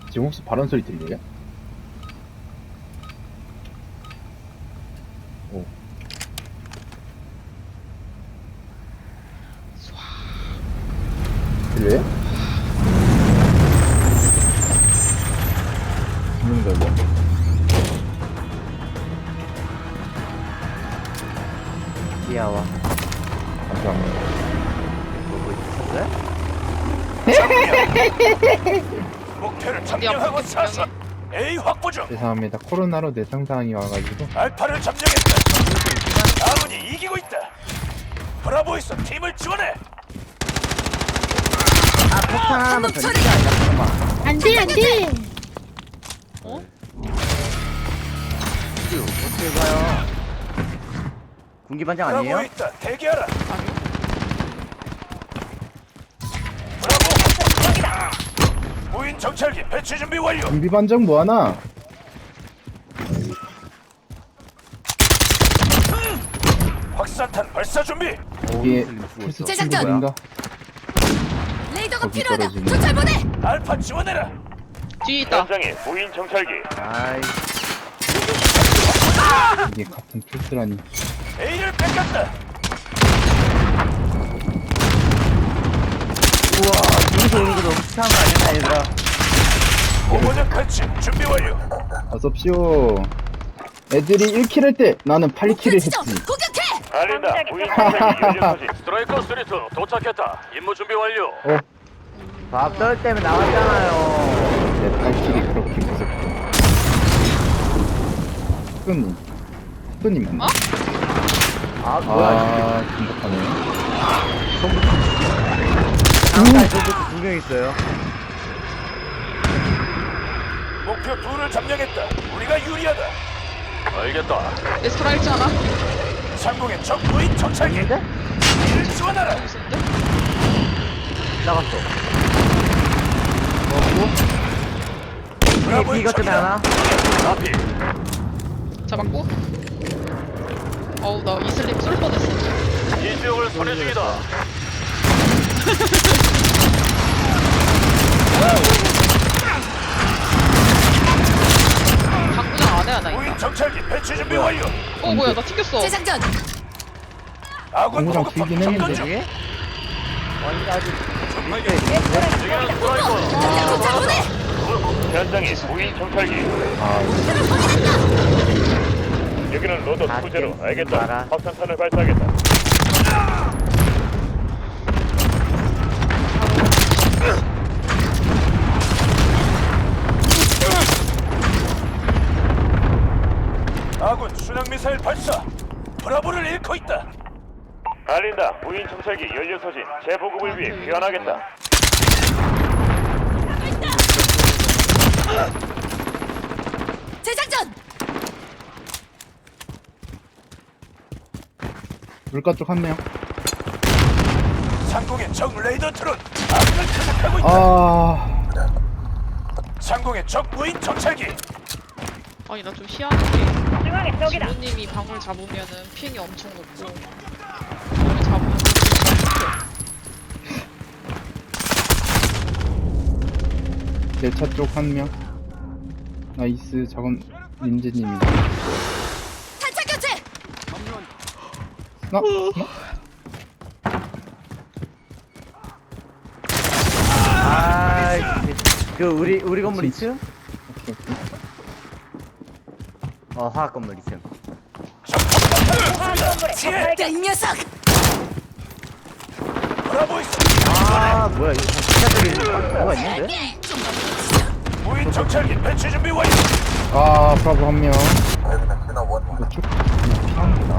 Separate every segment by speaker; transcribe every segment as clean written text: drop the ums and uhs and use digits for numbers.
Speaker 1: 지금 혹시 발언 소리 들려요? 오. 들려요? 듣는 걸로.
Speaker 2: 귀여워.
Speaker 1: 감사합니다.
Speaker 2: 보고 있었어요?
Speaker 3: 목표를 점령하고 사서 A 확보 중.
Speaker 1: 죄송합니다. 코로나로 내상 상황이 와가지고.
Speaker 3: 알파를 점령했다. 아군이 이기고 있다. 브라보에서 팀을 지원해.
Speaker 2: 아, 폭탄 하나만 던지자. 잠깐만.
Speaker 4: 안돼 안돼.
Speaker 2: 어? 어떻게 가요? 군기반장 아니에요?
Speaker 3: 브라보에 있다. 대기하라. 브라보. 무인 정찰기 배치 준비 완료.
Speaker 1: 준비 반정 뭐하나?
Speaker 3: 확산탄 발사 준비.
Speaker 1: 이게
Speaker 2: 죽었어.
Speaker 4: 제작전!
Speaker 1: 인가
Speaker 4: 레이더가
Speaker 1: 거기
Speaker 4: 필요하다.
Speaker 1: 떨어지네.
Speaker 4: 도찰 보내.
Speaker 3: 알파 지원해라.
Speaker 5: 뒤에 있다.
Speaker 3: 현장에 무인 정찰기.
Speaker 2: 아이,
Speaker 1: 이게 같은 필수라니.
Speaker 3: A를 뺏겼다.
Speaker 2: 우와, 여기서 오는 거 너무 치사한 거 아니야, 얘들아?
Speaker 3: 오버전 칼치 준비 완료.
Speaker 1: 어섭쇼. 애들이 1킬 할 때 나는 8킬을
Speaker 4: 지점
Speaker 1: 했지.
Speaker 4: 공격해.
Speaker 3: 알린다. 무인 정찰기 연료 소진. 스트라이커 스리트 도착했다. 임무 준비 완료.
Speaker 1: 어,
Speaker 2: 밥떨 때문에 나왔잖아요.
Speaker 1: 내 8킬이 그렇게 무섭고. 스토님. 스토님 맞나?
Speaker 5: 어?
Speaker 2: 아, 뭐야,
Speaker 1: 아, 긴박하네.
Speaker 2: 장사에 저부터 2명 있어요.
Speaker 3: 목표 둘을 점령했다. 우리가 유리하다. 알겠다.
Speaker 5: 에스트라 있지 않아?
Speaker 3: 상공의 적 무인 정찰기.
Speaker 2: 있는데?
Speaker 3: 이를 지원하라.
Speaker 5: 여기 있었는데?
Speaker 2: 나갔어.
Speaker 3: 브라보의
Speaker 2: 이것 때문에
Speaker 3: 적이다.
Speaker 2: 하나?
Speaker 3: 앞이.
Speaker 5: 잡았고. 어우 나 이슬림 쏠 뻔했어.
Speaker 3: 이 지역을 선회 중이다.
Speaker 5: 당구장 안에 하나 있다.
Speaker 3: 무인 정찰기 배치 준비 완료.
Speaker 5: 어 뭐야 나 튕겼어.
Speaker 4: 재장전.
Speaker 3: 아군
Speaker 1: 공구장
Speaker 3: 보급함
Speaker 1: 튀긴 했는데.
Speaker 3: 접근 중.
Speaker 2: 여기? 완전
Speaker 3: 지금은 스트라이커.
Speaker 4: 도찰 보내.
Speaker 3: 현장에 무인 정찰기.
Speaker 1: 아,
Speaker 3: 여기는 로더
Speaker 2: 다
Speaker 3: 투제로.
Speaker 2: 깼어.
Speaker 3: 알겠다.
Speaker 2: 알아.
Speaker 3: 확산탄을 발사하겠다. 아군 순항 미사일 발사. 브라보를 잃고 있다. 알린다. 무인 정찰기 연료 소진. 재보급을 위해 귀환하겠다.
Speaker 4: 재장전.
Speaker 1: 물가 쪽 한 명.
Speaker 3: 상공의 적 레이더 트론. 아군을 타격하고 있다.
Speaker 1: 아,
Speaker 3: 상공의 적 무인 정찰기.
Speaker 5: 아니 나 좀 희한한 게 지모님이 방울 잡으면은 피행이 엄청 높고 방울 잡으면
Speaker 1: 내 차 쪽 한 명. 나이스, 저건 민재님이다.
Speaker 4: 탄창 교체.
Speaker 1: 나?
Speaker 2: 아이, 그 우리 건물 2층?
Speaker 1: 오케이, 오케이.
Speaker 2: 화학 건물 2층.
Speaker 3: 지혜.
Speaker 4: 이 녀석.
Speaker 3: 브라보 있어.
Speaker 2: 아, 뭐야, 이거 진짜 뭐가 있는데?
Speaker 3: 무인 정찰기 배치 준비 완료.
Speaker 1: 아, 브라보 한 명. 이거 쭉, 그냥 피하는 게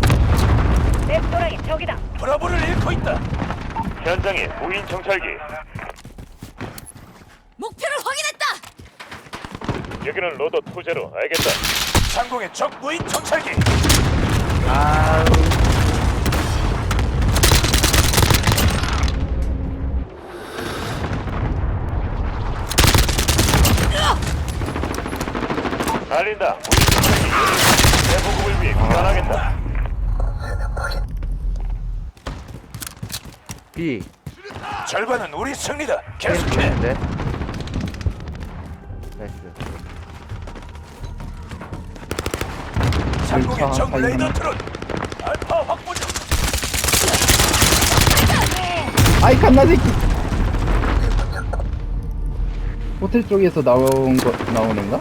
Speaker 1: 나은.
Speaker 3: 브라보를 잃고 있다. 현장에 무인 정찰기.
Speaker 4: 목표를 확인했다.
Speaker 3: 여기는 로더 투제로. 알겠다. 상공의 적 무인 정찰기.
Speaker 2: 아우,
Speaker 3: 알린다. 무인 정찰기 대보급을 위해 귀환하겠다.
Speaker 2: B.
Speaker 3: 절반은 우리 승리다. 계속해.
Speaker 2: 네. 나이스.
Speaker 3: 상공의
Speaker 1: 열차
Speaker 3: 적
Speaker 1: 사이에
Speaker 3: 레이더
Speaker 1: 하나.
Speaker 3: 트론. 알파 확보 중.
Speaker 1: 아이 갓나 새끼. 호텔 쪽에서 나오는가?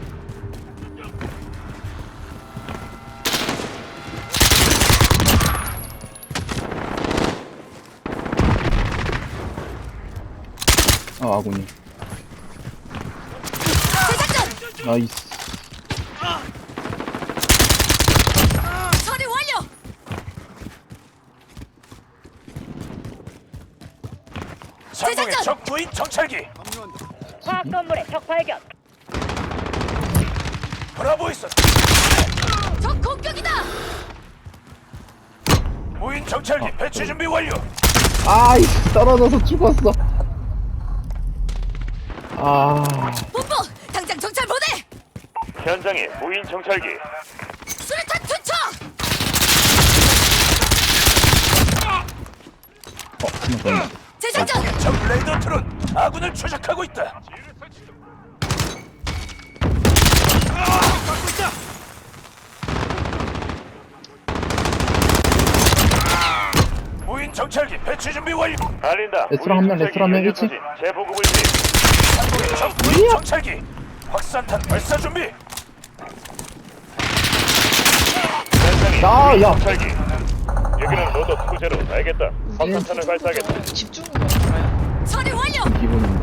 Speaker 1: 아 아군이.
Speaker 4: 재작전
Speaker 1: 나이스.
Speaker 4: 처리 완료.
Speaker 3: 상공의
Speaker 4: 재작전!
Speaker 3: 적 무인 정찰기.
Speaker 6: 화학 건물에 적 발견.
Speaker 3: 브라보 있어.
Speaker 4: 적 공격이다.
Speaker 3: 무인 정찰기 배치 준비 완료.
Speaker 1: 아이 떨어져서 죽었어. 아
Speaker 4: 본부 당장 정찰 보내.
Speaker 3: 현장에 무인 정찰기.
Speaker 4: 수류탄 투척.
Speaker 1: 잠깐만.
Speaker 4: 재작전
Speaker 3: 적 레이더 트론 아군을 추적하고 있다. 무인 정찰기 배치 준비 완료. 알린다.
Speaker 1: 레스토랑 한 명, 레스토랑 한 명, 일치.
Speaker 3: 재보급을 위해 상공의 적 무인 정찰기 확산탄 발사 준비. 현장에
Speaker 1: 야,
Speaker 3: 무인
Speaker 1: 야.
Speaker 3: 정찰기. 여기는 로더 2제로 알겠다. 확산탄을 발사하겠다.
Speaker 5: 집중으로 알아요.
Speaker 4: 처리 완료.
Speaker 1: 기분.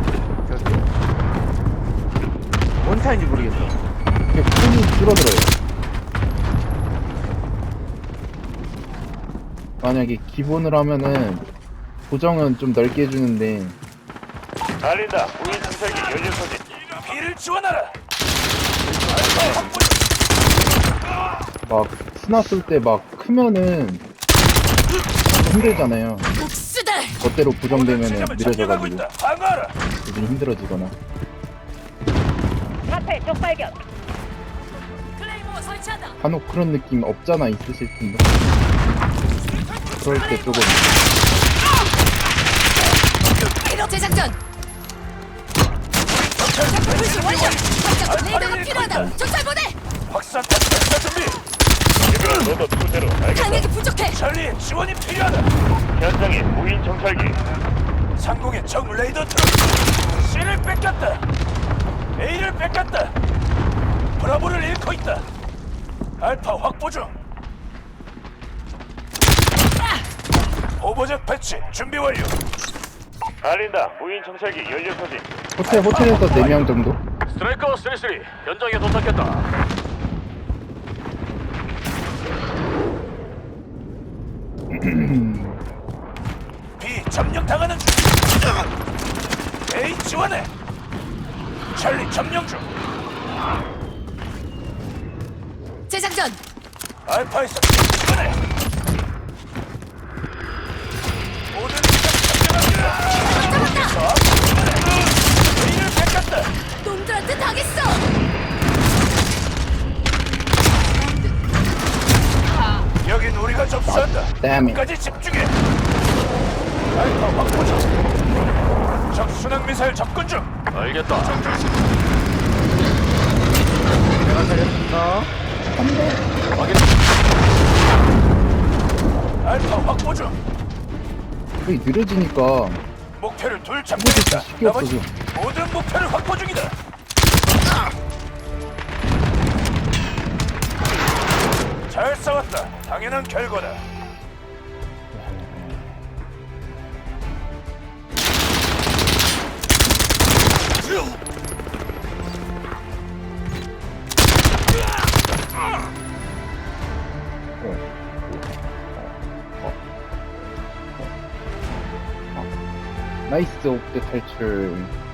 Speaker 2: 뭔 차인지 모르겠어.
Speaker 1: 이게 폰이 줄어들어요. 만약에 기본으로 하면은 고정은 좀 넓게 해주는데
Speaker 3: 알린다. 무인 정찰기 연료 소진. 비를 지원하라.
Speaker 1: 막 스나 쏠 때 막 크면은 힘들잖아요.
Speaker 4: 복수들.
Speaker 1: 멋대로 고정되면은
Speaker 3: 지점을
Speaker 1: 느려져가지고
Speaker 3: 점령하고 있다. 방어하라.
Speaker 1: 요즘 힘들어지거나.
Speaker 6: 앞에 적 발견.
Speaker 4: 클레이모 설치한다.
Speaker 1: 간혹 그런 느낌 없잖아 있으실 텐데. 그럴 때 조금
Speaker 4: 재작전. 불시 완료. 당장 레이더가 필요하다. 정찰 보내.
Speaker 3: 확산탄 발사 준비. 여기는 로더 2제로 알겠다.
Speaker 4: 강력이 부족해.
Speaker 3: 찰리의 지원이 필요하다. 현장에 무인 정찰기. 상공의 적 레이더 트럭. C를 뺏겼다. A를 뺏겼다. 브라보를 잃고 있다. 알파 확보 중. 오버젯 배치 준비 완료. 알린다. 무인 정찰기 연료 소진.
Speaker 1: 호텔에서 4명 정도?
Speaker 3: 스트라이커 33 현장에 도착했다. B 점령 당하는 중. A 지원해. 찰리 점령 중.
Speaker 4: 재작전.
Speaker 3: 알파에서 지원해. 모든 지점 점령합니다.
Speaker 4: 잡았다.
Speaker 3: A를 뺏겼다.
Speaker 4: 놈들한테 당했어.
Speaker 3: 여긴 우리가 접수한다.
Speaker 1: Damn it.
Speaker 3: 끝까지 집중해. 알파 확보 중. 적 순항 미사일 접근 중. 알겠다.
Speaker 2: 내가 살렸습니다.
Speaker 3: 알파 확보 중.
Speaker 1: 거의 느려지니까
Speaker 3: 목표를 둘
Speaker 1: 이것도
Speaker 3: 잡겠다.
Speaker 1: 쉽게
Speaker 3: 나머지
Speaker 1: 없어져.
Speaker 3: 모든 목표를 확보 중이다. 잘 싸웠다. 당연한 결과다.
Speaker 1: 나이스 옥대 탈출.